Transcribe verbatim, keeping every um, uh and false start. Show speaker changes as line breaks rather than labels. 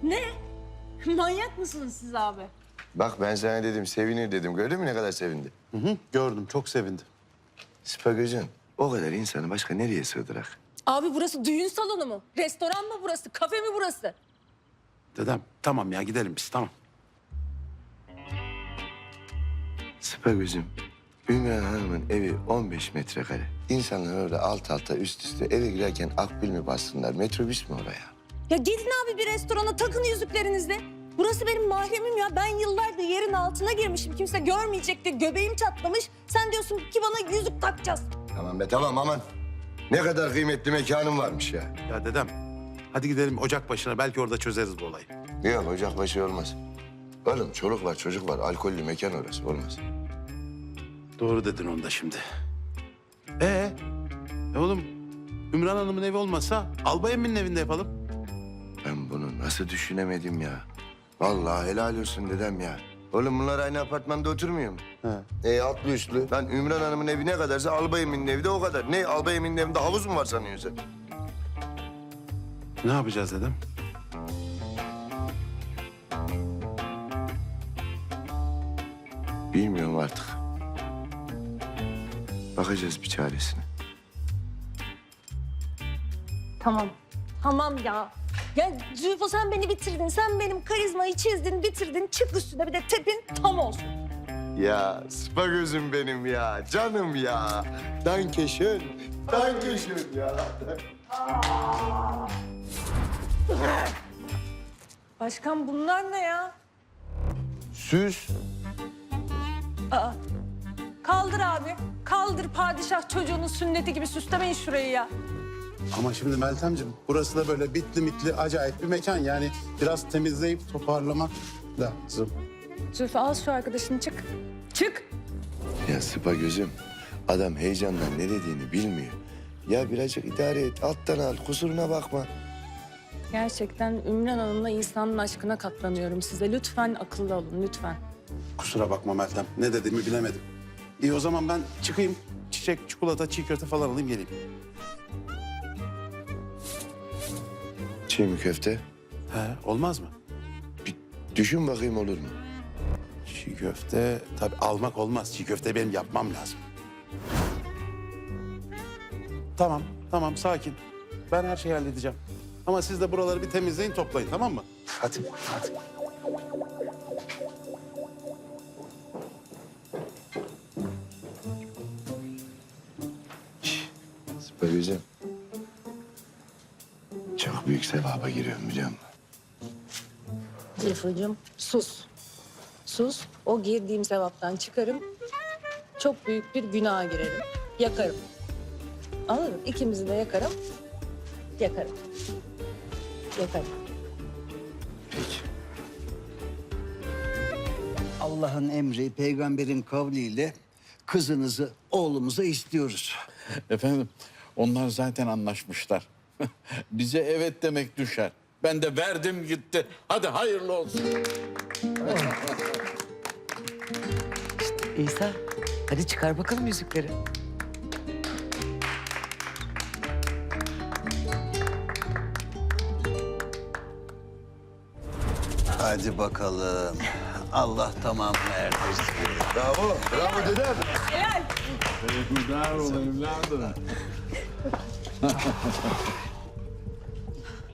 Ne? Manyak mısınız siz abi?
Bak ben sana dedim, sevinir dedim. Gördün mü ne kadar sevindi?
Hı hı, gördüm, çok sevindi.
Spa gözün. O kadar insanı başka nereye sığdırak?
Abi burası düğün salonu mu? Restoran mı burası? Kafe mi burası?
Dedem, tamam ya gidelim biz, tamam.
Spa gözüm. Ümran Hanım'ın evi on beş metrekare. İnsanlar orada alt alta üst üste eve girerken akbil mi bassınlar? Metrobüs mü oraya?
Ya gidin abi bir restorana takın yüzüklerinizle. Burası benim mahremim ya. Ben yıllardır yerin altına girmişim. Kimse görmeyecek diye göbeğim çatlamış. Sen diyorsun ki bana yüzük takacağız.
Tamam be tamam aman. Ne kadar kıymetli mekanım varmış ya.
Ya dedem, hadi gidelim ocak başına, belki orada çözeriz bu olayı.
Yok ocakbaşı olmaz. Oğlum çoluk var çocuk var. Alkollü mekan orası olmaz.
Doğru dedin onu da şimdi. Ee, e oğlum, Ümran Hanım'ın evi olmasa Albay Emin'in evinde yapalım.
Ben bunu nasıl düşünemedim ya? Vallahi helal olsun dedem ya. Oğlum bunlar aynı apartmanda oturmuyor mu?
He.
E altlı üstlü. Lan Ümran Hanım'ın evi ne kadarsa Albay Emin'in evi de o kadar. Ne Albay Emin'in evinde havuz mu var sanıyorsun sen?
Ne yapacağız dedem?
Bilmiyorum artık. Bakacağız bir çaresine.
Tamam. Tamam ya. Ya Zülfü sen beni bitirdin. Sen benim karizmayı çizdin, bitirdin. Çık üstüne bir de tepin tam olsun.
Ya spa gözüm benim ya. Canım ya. Danke schön. Danke schön ya.
Başkan bunlar ne ya?
Süs.
Aa. Kaldır abi. Kaldır padişah çocuğunun sünneti gibi süslemeyin şurayı ya.
Ama şimdi Meltemciğim, burası da böyle bitli mitli acayip bir mekan. Yani biraz temizleyip toparlamak lazım.
Zülfü al şu arkadaşını çık. Çık.
Ya spa gözüm. Adam heyecandan ne dediğini bilmiyor. Ya birazcık idare et. Alttan al. Kusuruna bakma.
Gerçekten Ümran Hanım'la İsa'nın aşkına katlanıyorum size. Lütfen akıllı olun lütfen.
Kusura bakma Meltem, ne dediğimi bilemedim. İyi o zaman ben çıkayım, çiçek, çikolata, çiğ köfte falan alayım geleyim.
Çiğ mi köfte?
He, olmaz mı?
Bir düşün bakayım olur mu?
Çiğ köfte tabii almak olmaz. Çiğ köfte benim yapmam lazım. Tamam, tamam sakin. Ben her şeyi halledeceğim. Ama siz de buraları bir temizleyin, toplayın tamam mı? Hadi, hadi.
Spa gözüm. Çok büyük sevaba giriyorum biliyor musun?
Zülfücüğüm sus. Sus. O girdiğim sevaptan çıkarım. Çok büyük bir günaha girerim. Yakarım. Anladın mı? İkimizi de yakarım. Yakarım. Yakarım.
Peki.
Allah'ın emri, peygamberin kavliyle kızınızı oğlumuza istiyoruz.
Efendim, onlar zaten anlaşmışlar. Bize evet demek düşer. Ben de verdim gitti. Hadi hayırlı olsun.
İsa, hadi çıkar bakalım yüzükleri.
Hadi bakalım. Allah tamamını erdirsin.
Bravo. Bravo dedem.
Evdar ol evladım.